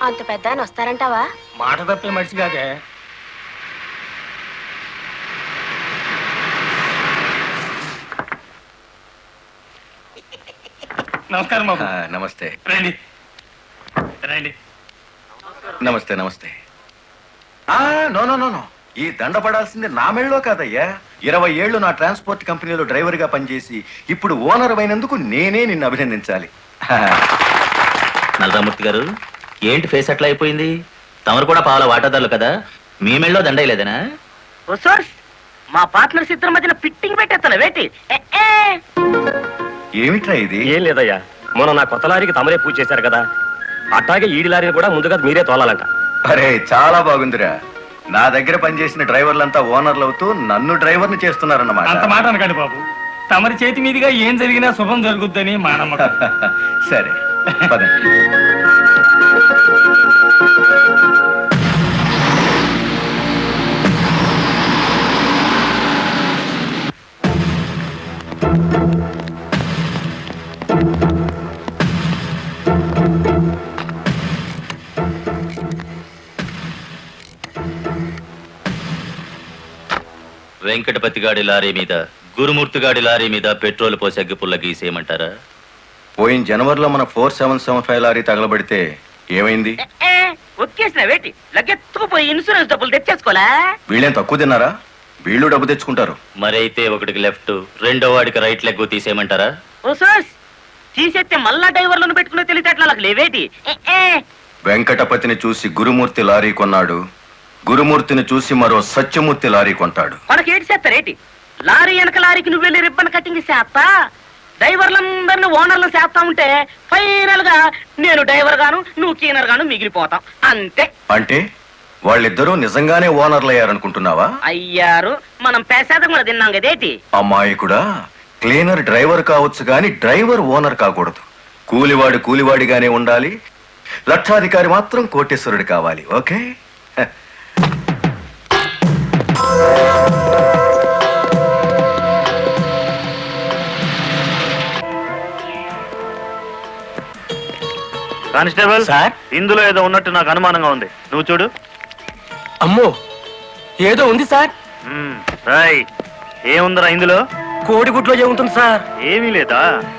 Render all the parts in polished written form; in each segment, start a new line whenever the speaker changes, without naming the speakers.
అంత పెద్ద ఆయన వస్తారంటావా?
మాట తప్పే మనిషి కాదే. నమస్కారం బాబు.
నమస్తే.
రండి రండి.
నమస్తే నమస్తే. నో నో నో నో, ఈ దండ పడాల్సింది నా మెళ్ళలో కాదయ్యా. 20 ఏళ్ళు నా ట్రాన్స్పోర్ట్ కంపెనీలో డ్రైవర్ గా పనిచేసి ఇప్పుడు ఓనర్ అయినందుకు నేనే నిన్ను అభినందించాలి.
నల్లరామూర్తి గారు, ఏంటి ఫేస్ అట్లా అయిపోయింది? తమరు కూడా పాల వాటాదారులు కదా, మీ మెళ్ళలో దండయలేదనా?
మా పార్ట్నర్స్ ఇద్దరి మధ్యన ఫిట్టింగ్ పెట్టేస్తాను వేటి.
ఏమిట్రా ఇది?
ఏం లేదయ్యా, మొన్న నా కొత్త లారీకి తమరే పూజ చేశారు కదా, అట్లాగే ఈడి లారీని కూడా ముందుగా మీరే తోలాలంట.
అరే చాలా బాగుందిరా. నా దగ్గర పనిచేసిన డ్రైవర్లంతా ఓనర్లు అవుతూ నన్ను డ్రైవర్ని చేస్తున్నారన్నమాట.
అంత మాట అనకండి బాబు. తమరి చేతి మీదుగా ఏం జరిగినా శుభం జరుగుద్దని మా నమ్మకం.
సరే పదండి.
వెంకటపతి గాడి లారీ మీద, గురుమూర్తి గాడి లారీ మీద పెట్రోల్ పోసి అగ్గిపుల్ల గీసేయమంటారా?
పోయిన జనవరిలో మన 4775 లారీ తగలబడితే ఏమైంది?
ఒక్కేసిన వేటి లగ్గెత్తుకుపోయి ఇన్సూరెన్స్ డబ్బులు తెచ్చేసుకోలే.
వీళ్ళేం తక్కువ తిన్నారా? వీళ్ళు డబ్బు తెచ్చుకుంటారు.
మరైతే ఒకటికి లెఫ్ట్, రెండో వాడికి రైట్ లెగ్ తీసేయమంటారా?
తీసేస్తే మళ్ళా డ్రైవర్లను పెట్టుకునే తెలిసేట్లా లేవేటి.
వెంకటపతిని చూసి గురుమూర్తి లారీ కొన్నాడు, గురుమూర్తిని చూసి మరో సత్యమూర్తి లారీ కొంటాడు.
మనకేటి చేస్తారేటి? లారీ వెనక లారీకి నువ్వు వెళ్ళి రిబ్బన్ కటింగ్ చేస్తా, డ్రైవర్లందరినీ ఓనర్లు చేస్తా ఉంటే ఫైనల్ గా నేను డ్రైవర్ గాను నువ్వు క్లీనర్ గాను మిగిలిపోతాం అంతే.
అంటే వాళ్ళిద్దరూ నిజంగానే ఓనర్లు అయ్యారనుకుంటున్నావా?
అయ్యారు, మనం పేసాదం కూడా తిన్నాం కదేటి.
అమ్మాయి కూడా క్లీనర్ డ్రైవర్ కావచ్చు గాని డ్రైవర్ ఓనర్ కాకూడదు. కూలివాడు కూలివాడిగానే ఉండాలి, లక్షాధికారి మాత్రం కోటేశ్వరుడు కావాలి. ఓకే?
కానిస్టేబుల్
సార్,
ఇందులో ఏదో ఉన్నట్టు నాకు అనుమానంగా ఉంది, నువ్వు చూడు.
అమ్మో, ఏదో ఉంది సార్.
ఏముందిరా ఇందులో?
కోడిగుడ్లో ఏముంటుంది సార్?
ఏమీ లేదా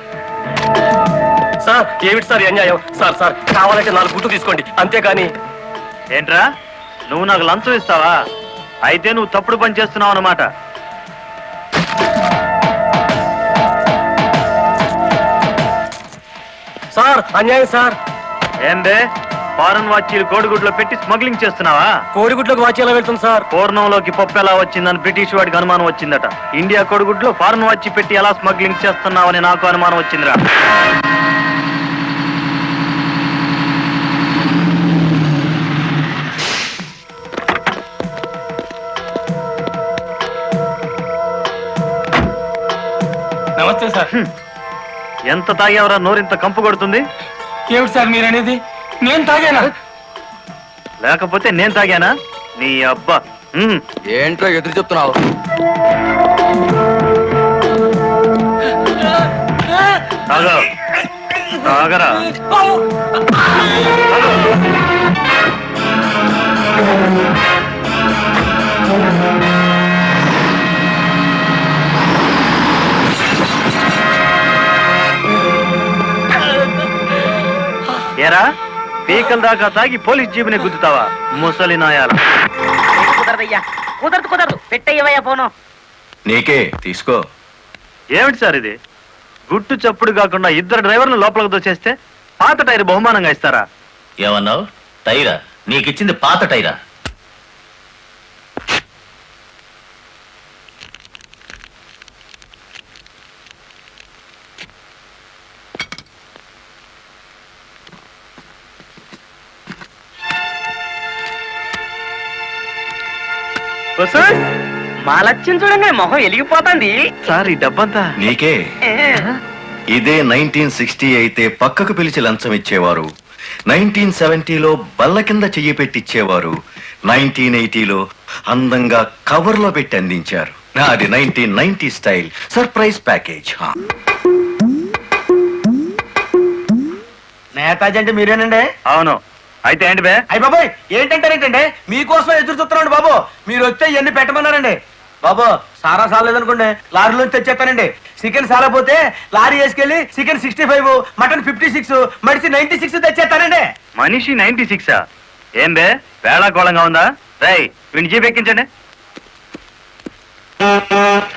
సార్? ఏమిటి సార్ అన్యాయం? సార్ సార్ కావాలంటే 4 గుడ్లు తీసుకోండి, అంతేగాని.
ఏంట్రా, నువ్వు నాకు లంచం ఇస్తావా? అయితే నువ్వు తప్పుడు పని చేస్తున్నావు అన్నమాట.
సార్ అన్యాయం సార్.
ఏందే, ఫారెన్ వాచీలు కోడిగుడ్లో పెట్టి స్మగ్లింగ్ చేస్తున్నావా?
కోడిగుడ్లోకి వాచ్ ఎలా వెళ్తుంది సార్?
పూర్ణంలోకి పప్పు ఎలా వచ్చిందని బ్రిటిష్ వాడికి అనుమానం వచ్చిందట. ఇండియా కోడిగుడ్లో ఫారెన్ వాచీ పెట్టి ఎలా స్మగ్లింగ్ చేస్తున్నావని నాకు అనుమానం వచ్చిందిరా.
నమస్తే సార్.
ఎంత తాగేవరా నోరింత కంపు కొడుతుంది?
ఏమిటి సార్ మీరు అనేది? నేను తాగానా?
లేకపోతే నేను తాగానా? నీ అబ్బా.
ఏంట్రా ఎదురు చెప్తున్నావు?
తాగరా. ఏరా, పీకల దాకా తాగి పోలీస్ జీబుని గుద్దుతావా ముసలి నాయాల?
కుదరదయ్యా, కుదరదు. పెట్టయ్యవయ్యా పోను.
నీకే తీసుకో.
ఏమిటి సార్ ఇది? గుట్టు చప్పుడు కాకుండా 2 డ్రైవర్లు లోపలికి దోచేస్తే పాత టైర్ బహుమానంగా ఇస్తారా?
ఏమన్నావు? టైరా? నీకిచ్చింది పాత టైరా?
మా లక్ష్యం చూడండి, మొహం వెలిగిపోతుంది.
సార్ ఈ డబ్బంతా
నీకే. ఇదే 1960 అయితే పక్కకు పిలిచి లంచం ఇచ్చేవారు, 1970లో బల్ల కింద చెయ్యి పెట్టిచ్చేవారు, 1980లో అందంగా కవర్లో పెట్టి అందించారు. నాది 1990 స్టైల్ సర్ప్రైజ్ ప్యాకేజ్.
నేతాజీ అంటే మీరేనండి?
అవును. అయితే ఏంటి బే?
అయ్య బాబోయ్ ఏంటంటారేంటండి మీకోసం ఎదురు చూస్తున్నాండి బాబు మీరు వచ్చే ఇవన్నీ పెట్టమన్నారండి బాబు సారా సాలేదనుకోండి లారీలోంచి తెచ్చేస్తానండి చికెన్ సాలపోతే లారీ వేసుకెళ్ళి చికెన్ 65 మటన్ 56 మడిసి 96 తెచ్చేస్తానండి
మనిషి 96 ఏం బే వేళాకోళంగా ఉందా? రై వీడిని జీప్ ఎక్కించండి.